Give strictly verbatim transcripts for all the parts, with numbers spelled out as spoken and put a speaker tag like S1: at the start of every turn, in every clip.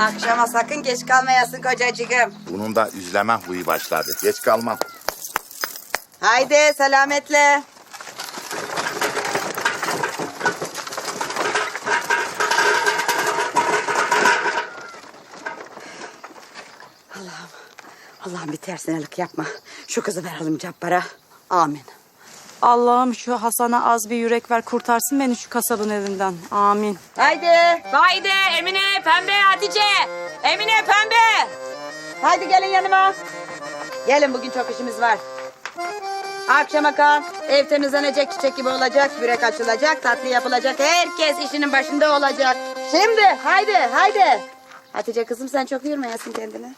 S1: Akşama sakın geç kalmayasın kocacığım.
S2: Bunun da üzleme huyu başladı. Geç kalmam.
S1: Haydi selametle. Allah'ım, Allah'ım bir tersinelik yapma. Şu kızı verelim Cabbar'a. Amin.
S3: Allah'ım şu Hasan'a az bir yürek ver, kurtarsın beni şu kasabın elinden. Amin.
S1: Haydi.
S4: Haydi Emine, Pembe, Hatice. Emine, Pembe.
S1: Haydi gelin yanıma. Gelin bugün çok işimiz var. Akşama kal. Ev temizlenecek, çiçek gibi olacak. Börek açılacak, tatlı yapılacak. Herkes işinin başında olacak. Şimdi haydi haydi. Hatice kızım sen çok yormayasın kendini.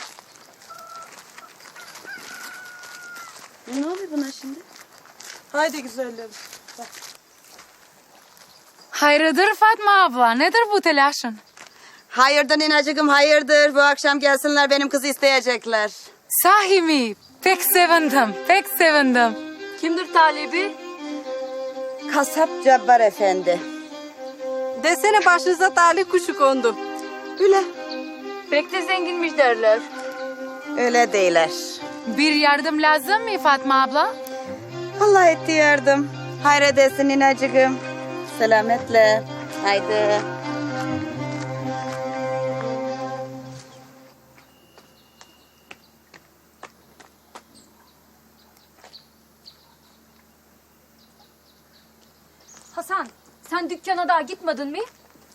S1: Ne oluyor buna şimdi?
S3: Haydi güzelim.
S5: Hayırdır Fatma abla? Nedir bu telaşın?
S1: Hayırdır ninacığım hayırdır. Bu akşam gelsinler benim kızı isteyecekler.
S5: Sahi mi? Pek sevindim, pek sevindim.
S4: Kimdir talibi?
S1: Kasap Cabbar Efendi.
S3: Desene başınıza talih kuşu kondu.
S1: Öyle.
S4: Pek de zenginmiş derler.
S1: Öyle değiller.
S5: Bir yardım lazım mı Fatma abla?
S1: Allah etti yardım. Hayredesin ninacığım. Selametle. Haydi.
S4: Hasan, sen dükkana daha gitmedin mi?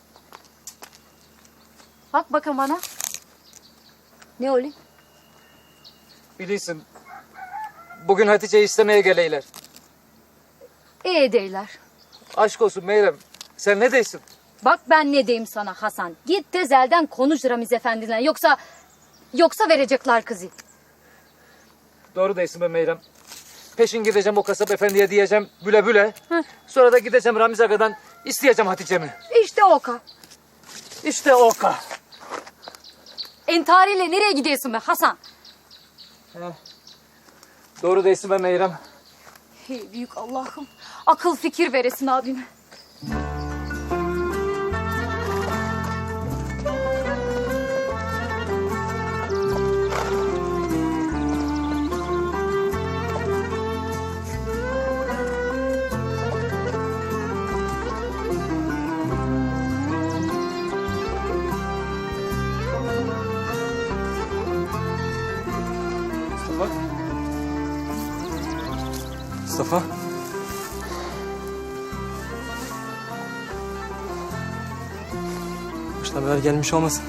S4: Bak bakın bana. Ne oluyor?
S6: Bilirsin. Bugün Hatice'yi istemeye geleyler.
S4: İyi değiller.
S6: Aşk olsun Meyrem. Sen ne değilsin?
S4: Bak ben ne diyeyim sana Hasan. Git tezelden konuş Ramiz Efendi'yle. Yoksa yoksa verecekler kızı.
S6: Doğru değilsin be Meyrem. Peşin gideceğim o kasap efendiye diyeceğim büle büle. Hı. Sonra da gideceğim Ramiz Aga'dan isteyeceğim Hatice'mi.
S4: İşte oka.
S6: İşte o ka.
S4: Entariyle nereye gidiyorsun be Hasan?
S6: Doğru değilsin be Meyrem.
S4: Hey büyük Allah'ım. Akıl fikir veresin abime.
S6: Mustafa. Mustafa.
S7: Başına haber gelmiş olmasın.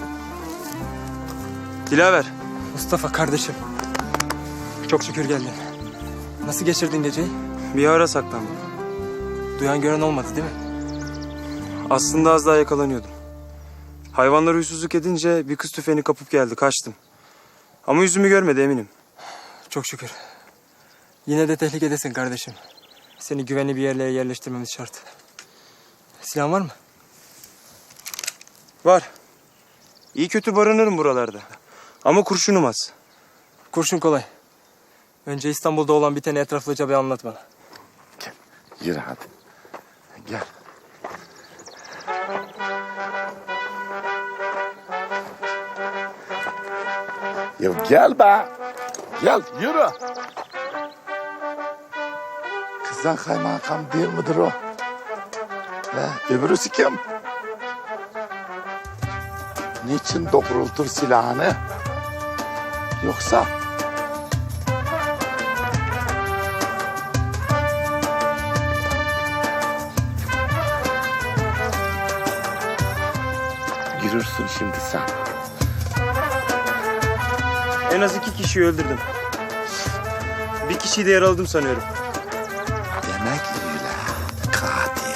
S8: Dilaver.
S7: Mustafa kardeşim. Çok şükür geldin. Nasıl geçirdin geceyi?
S8: Bir ara saklandım.
S7: Duyan gören olmadı değil mi?
S8: Aslında az daha yakalanıyordum. Hayvanlar huysuzluk edince bir kız tüfeğini kapıp geldi. Kaçtım. Ama yüzümü görmedi eminim.
S7: Çok şükür. Yine de tehlikedesin kardeşim. Seni güvenli bir yerlere yerleştirmemiz şart. Silahın var mı?
S8: Var. İyi kötü barınırım buralarda. Ama kurşunum az.
S7: Kurşun kolay. Önce İstanbul'da olan biteni etraflıca bir anlat bana.
S2: Gel. Yürü hadi. Gel. Ya gel be. Gel yürü. Kızdan kaymakam değil midir o? He, öbürüsü kim? Niçin doğrultur silahını? Yoksa... Görürsün şimdi sen.
S8: En az iki kişiyi öldürdüm. Bir kişiyi de yaraladım sanıyorum.
S2: Demek öyle. Katil.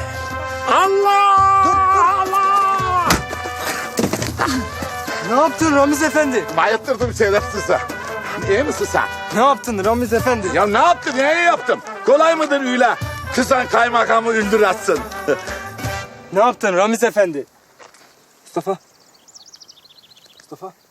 S7: Ne yaptın Ramiz Efendi?
S2: Bayıttırdım şerefsize. İyi misin sen?
S7: Ne yaptın Ramiz Efendi?
S2: Ya ne yaptım? Neye yaptım? Kolay mıdır öyle? Kızan kaymakamı öldüratsın.
S7: Ne yaptın Ramiz Efendi? Mustafa. Mustafa.